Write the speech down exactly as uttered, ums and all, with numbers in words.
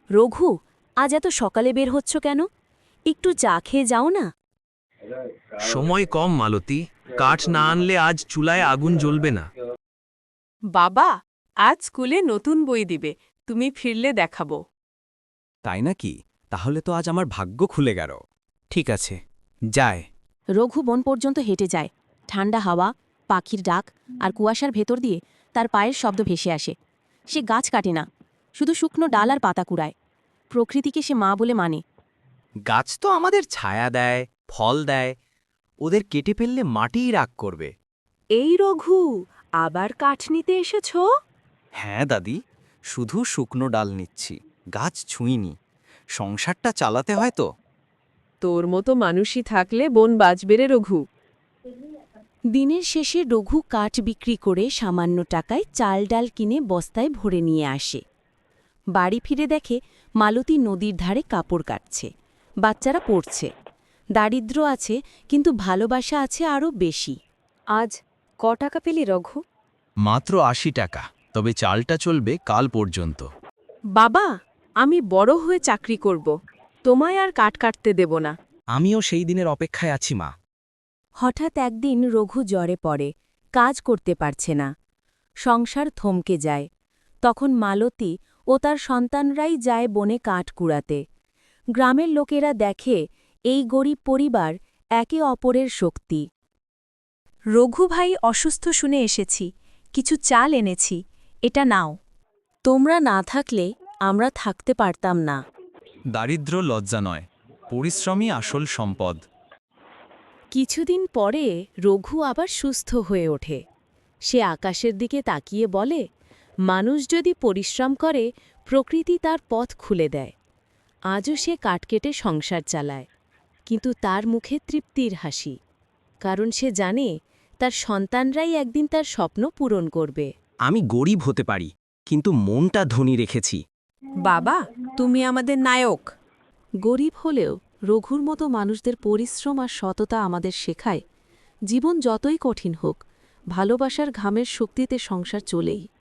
রঘু, আজ এত সকালে বের হচ্ছ কেন? একটু চা খেয়ে যাও না। সময় কম মালতী, কাঠ না আনলে আজ চুলায় আগুন জ্বলবে না। বাবা, আজ স্কুলে নতুন বই দিবে, তুমি ফিরলে দেখাবো। তাই নাকি? তাহলে তো আজ আমার ভাগ্য খুলে গেল। ঠিক আছে, যায়। রঘু বন পর্যন্ত হেঁটে যায়। ঠান্ডা হাওয়া, পাখির ডাক আর কুয়াশার ভেতর দিয়ে তার পায়ের শব্দ ভেসে আসে। সে গাছ কাটে না, শুধু শুকনো ডাল আর পাতা কুড়ায়। প্রকৃতিকে সে মা বলে মানে। গাছ তো আমাদের ছায়া দেয়, ফল দেয়। ওদের কেটে ফেললে মাটিই রাগ করবে। এই রঘু, আবার কাঠ নিতে এসেছ? হ্যাঁ দাদি, শুধু শুকনো ডাল নিচ্ছি, গাছ ছুঁইনি। সংসারটা চালাতে হয় তো। তোর মতো মানুষই থাকলে বন বাঁচবে রে রঘু। দিনের শেষে রঘু কাঠ বিক্রি করে সামান্য টাকায় চাল ডাল কিনে বস্তায় ভরে নিয়ে আসে। বাড়ি ফিরে দেখে মালতী নদীর ধারে কাপড় কাটছে, বাচ্চারা পড়ছে। দারিদ্র্য আছে, কিন্তু ভালোবাসা আছে আরও বেশি। আজ ক টাকা পেলি রঘু? মাত্র আশি টাকা, তবে চালটা চলবে কাল পর্যন্ত। বাবা, আমি বড় হয়ে চাকরি করব, তোমায় আর কাঠ কাটতে দেব না। আমিও সেই দিনের অপেক্ষায় আছি মা। হঠাৎ একদিন রঘু জ্বরে পড়ে, কাজ করতে পারছে না। সংসার থমকে যায়। তখন মালতী ও তার সন্তানরাই যায় বনে কাঠ কুড়াতে। গ্রামের লোকেরা দেখে এই গরিব পরিবার একে অপরের শক্তি। রঘু ভাই অসুস্থ শুনে এসেছি, কিছু চাল এনেছি, এটা নাও। তোমরা না থাকলে আমরা থাকতে পারতাম না। দারিদ্র্য লজ্জা নয়, পরিশ্রমই আসল সম্পদ। কিছুদিন পরে রঘু আবার সুস্থ হয়ে ওঠে। সে আকাশের দিকে তাকিয়ে বলে, মানুষ যদি পরিশ্রম করে, প্রকৃতি তার পথ খুলে দেয়। আজও সে কাঠ কেটে সংসার চালায়, কিন্তু তার মুখে তৃপ্তির হাসি, কারণ সে জানে তার সন্তানরাই একদিন তার স্বপ্ন পূরণ করবে। আমি গরিব হতে পারি, কিন্তু মনটা ধনী রেখেছি। বাবা, তুমি আমাদের নায়ক। গরিব হলেও রঘুর মতো মানুষদের পরিশ্রম আর সততা আমাদের শেখায়, জীবন যতই কঠিন হোক, ভালোবাসার ঘামের শক্তিতে সংসার চলেই।